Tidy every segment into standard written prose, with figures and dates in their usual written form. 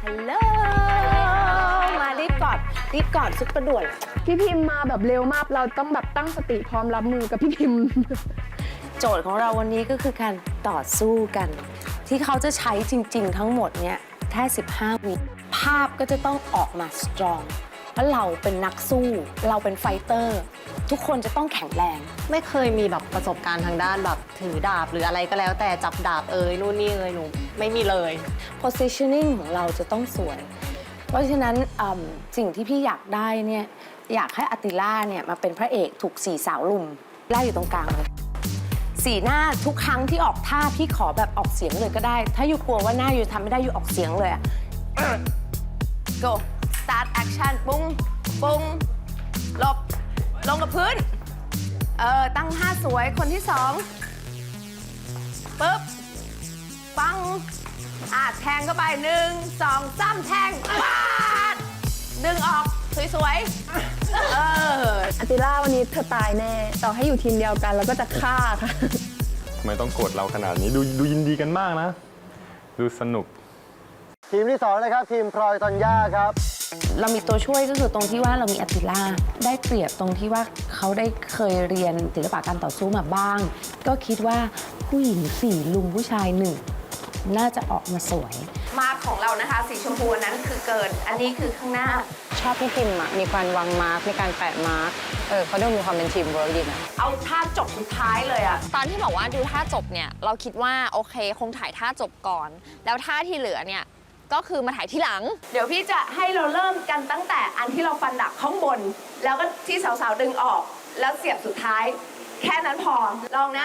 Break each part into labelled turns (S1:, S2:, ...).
S1: ฮัลโหลมารีบกอดซุปเปอร์ด่วน
S2: พี่พิมพ์มาแบบเร็วมากเราต้องแบบตั้งสติพร้อมรับมือกับพี่พิมพ์
S1: โจทย์ของเราวันนี้ก็คือการต่อสู้กัน ที่เขาจะใช้จริงๆทั้งหมดเนี่ยแค่15 วิภาพก็จะต้องออกมาสตรองเพราะเราเป็นนักสู้เราเป็นไฟเตอร์ทุกคนจะต้องแข็งแรง
S3: ไม่เคยมีแบบประสบการณ์ทางด้านแบบถือดาบหรืออะไรก็แล้วแต่จับดาบนู่นนี่หนูไม่มีเลย
S1: positioning ของเราจะต้องสวย เพราะฉะนั้นสิ่งที่พี่อยากได้เนี่ยอยากให้อติล่าเนี่ยมาเป็นพระเอกถูก4 สาวลุมไล่อยู่ตรงกลางเลยสีหน้าทุกครั้งที่ออกท่าพี่ขอแบบออกเสียงเลยก็ได้ ถ้าอยู่กลัวว่าหน้าอยู่ทำไม่ได้อยู่ออกเสียงเลยอะ go start action ปุ้งปุ้งหลบลงกับพื้นตั้งท่าสวยคนที่2ปึ๊บปังแทงเข้าไป1 2 3แทงปาดดึงออกสวยๆ
S2: อาติล่าวันนี้เธอตายแน่ต่อให้อยู่ทีมเดียวกันเราก็จะฆ่าค่ะ
S4: ทำไมต้องโกรธเราขนาดนี้ดูยินดีกันมากนะ ดูสนุก
S5: ทีมที่2นะครับทีมพลอยตอนย่าครับ
S1: เรามีตัวช่วยก็คือตรงที่ว่าเรามีอติล่าได้เปรียบตรงที่ว่าเขาได้เคยเรียนศิลปะการต่อสู้มาบ้าง ก็คิดว่าผู้หญิง4 ลุมผู้ชาย 1น่าจะออกมาสวยมาร์คของเรานะคะสีชมพูนั้นคือเกินอันนี้คือข้างหน้า
S3: ชอบพี่พิมพ์มีการวางมาร์กมีการแปะมาร์กเขาดูมีความเป็นทีมเวิร์กดีนะ
S1: เอาท่าจบสุดท้ายเลยอะ
S6: ตอนที่บอกว่าดูท่าจบเนี่ยเราคิดว่าโอเคคงถ่ายท่าจบก่อน แล้วท่าที่เหลือเนี่ยก็คือมาถ่ายที่หลัง
S1: เดี๋ยวพี่จะให้เราเริ่มกันตั้งแต่อันที่เราฟันดับข้างบน แล้วก็ที่สาวๆดึงออก แล้วเสียบสุดท้าย แค่นั้นพอ ลองนะ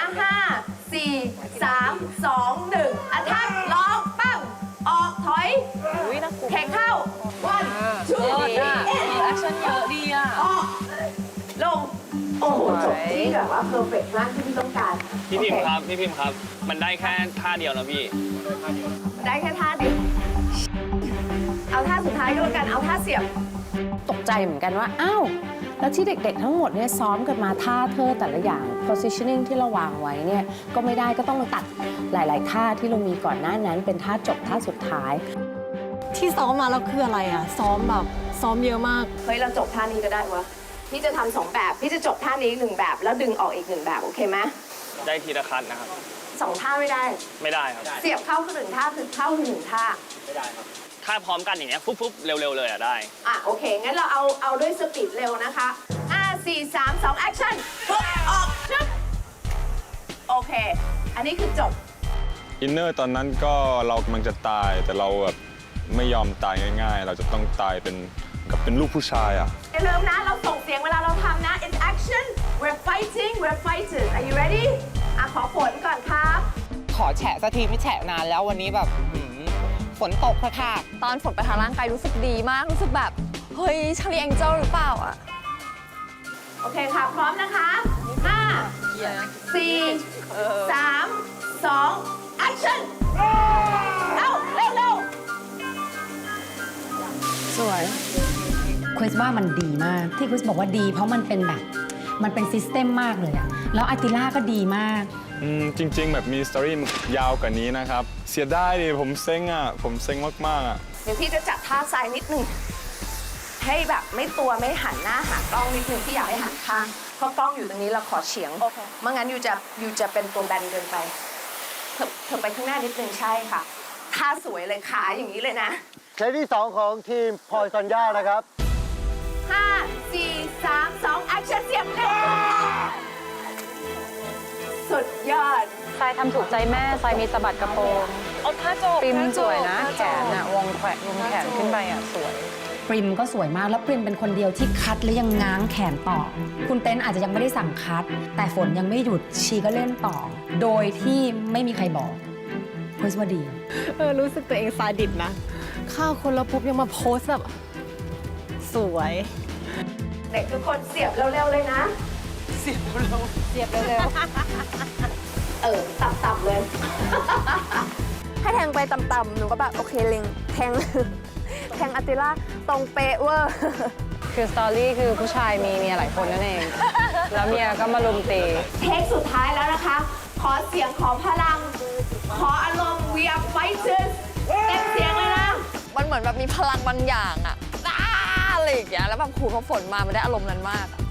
S1: 5 4 3 2 1อันทักลองปั้งออกถอยแขกเข้าวันชูแอคชั่นเยอะดีอ่ะออกลง โอ้โหจบที่แบบว่าเพอร์เฟกต์มากที่พี่ต้องการ
S7: พี่พิมพ์ครับ พี่พิมพ์ครับ มันได้แค่ท่าเดียวนะพี่
S1: ได้แค่ท่าเดียวเอาท่าสุดท้ายก็แล้วกันเอาท่าเสียบตกใจเหมือนกันว่าอ้าวแล้วที่เด็กๆทั้งหมดเนี่ยซ้อมกันมาท่าเธอแต่ละอย่าง positioning ที่เราวางไว้เนี่ยก็ไม่ได้ก็ต้องมาตัดหลายๆท่าที่เรามีก่อนหน้านั้นเป็นท่าจบท่าสุดท้าย
S3: ที่ซ้อมมาแล้วคืออะไรอ่ะซ้อมเยอะมาก
S1: เฮ้ยเราจบท่านี้ก็ได้วะพี่จะทำ2 แบบพี่จะจบท่านี้1 แบบแล้วดึงออกอีก1 แบบโอเคไหม
S7: ได้ทีละคันนะครับ
S1: 2 ท่าไม่ได้
S7: ไม่ได้ครับ
S1: เสียบเข้าคือ1 ท่าคือเข้าคือ1 ท่า
S7: ไม่ได้ครับ ถ้าพร้อมกันอย่างเงี้ยปุ๊บเร็วๆเลยอ่ะได้
S1: โอเคงั้นเราเอาด้วยสปีดเร็วนะคะ5 4 3 2 action ปุ๊บออกชึบโอเคอันนี้คือจบ
S4: อินเนอร์ตอนนั้นก็เรากำลังจะตายแต่เราแบบไม่ยอมตายง่ายๆ เราจะต้องตายเป็นลูกผู้ชายอ่ะ
S1: อย่าลืมนะเราส่งเสียงเวลาเราทำนะ it's action we're fighting we're fighters are you ready ขอผลก่อนครับ
S8: ขอแฉะสักทีไม่แฉะนานแล้ววันนี้แบบฝนตกค่ะ
S6: ตอนฝนไปทางร่างกายรู้สึกดีมากรู้สึกแบบเฮ้ยชาลีแองเจิลหรือเปล่าอ่ะ
S1: โอเคค่ะ พร้อมนะคะ 5 4 3 2 action เอาเร็ว
S9: สวยคริสว่ามันดีมากที่คริสบอกว่าดีเพราะมันเป็นแบบมันเป็นซิสเต็มมากเลยอะแล้วอาติล่าก็ดีมาก
S4: จริงๆ แบบมีสตอรี่ยาวกว่านี้นะครับ เสียดายดิผมเซ็งอ่ะผมเซ็งมากๆอ่ะ
S1: เดี๋ยวพี่จะจัดท่าซ้ายนิดนึงให้แบบไม่ตัวไม่หันหน้าหากล้องนิดนึงที่อยากให้หันข้างเพราะกล้องอยู่ตรงนี้เราขอเฉียงไม่งั้นอยู่จะเป็นตัวแบนเกินไปเธอไปข้างหน้านิดนึงใช่ค่ะท่าสวยเลยขาอย่างนี้เลยนะ
S5: เซตที่ 2 ของทีมพลอยตอนย่านะครับ
S1: 5 4 3 2 action เสียบเร็วสุดยอด
S3: ทรายทำถูกใจแม่ทรายมีสะบัดกระโปรงปริมสวยนะแขนอะวงแขนขึ้นไปอะสวย
S9: ปริมก็สวยมากแล้วปริมเป็นคนเดียวที่คัดและยังง้างแขนต่อ คุณเต้นอาจจะยังไม่ได้สั่งคัด แต่ฝนยังไม่หยุดชีก็เล่นต่อ โดยที่ไม่มีใครบอกคริสว่าดี
S3: รู้สึกตัวเองซาดิสนะข้าวคนแล้วปุ๊บยังมาโพสแบบสวย
S1: เด็กทุกคนเสียบเร็วๆเลยนะ
S3: เสียบเร็ว
S1: ต่ำๆเลย
S2: ให้แทงไปต่ำๆหนูก็แบบโอเคเล็งแทง แทงอาติล่าตรงเป๊ะเวอร์
S3: คือสตอรี่คือผู้ชายมีเมียหลายคนนั่นเอง แล้วเมียก็มาลุมตี
S1: เทคสุดท้ายแล้วนะคะ ขอเสียงขอพลัง ขออารมณ์ we are fighters เต็มเสียงเลยนะ
S6: มันเหมือนอนแบบมีพลังบางอย่างอะอะไรอย่างเงี้ยแล้วแบบครูเขาฝนมามันได้อารมณ์นั้นมากอะ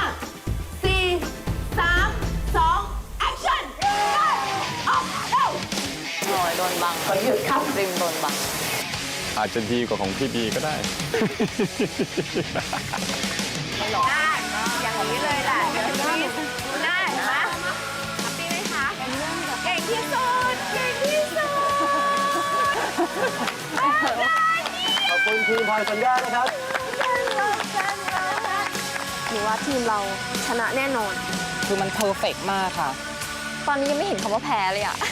S3: หน่อยโดนบังขอหยุดครับริมโดนบัง
S4: อาจจะดีกว่าของพี่บีก็ได้
S2: อย่างนี้เลยแหละอย่างนี้ได้ไหมแฮปปี้ไหมคะเก่งที่สุดเก่งที่สุด
S5: ขอบคุณทีมพลอยธัญญานะครับ
S2: หนูว่าทีมเราชนะแน่นอน
S8: คือมันเพอร์เฟกต์มากค่ะ
S6: ตอนนี้ยังไม่เห็นคำว่าแพ้เลยอะ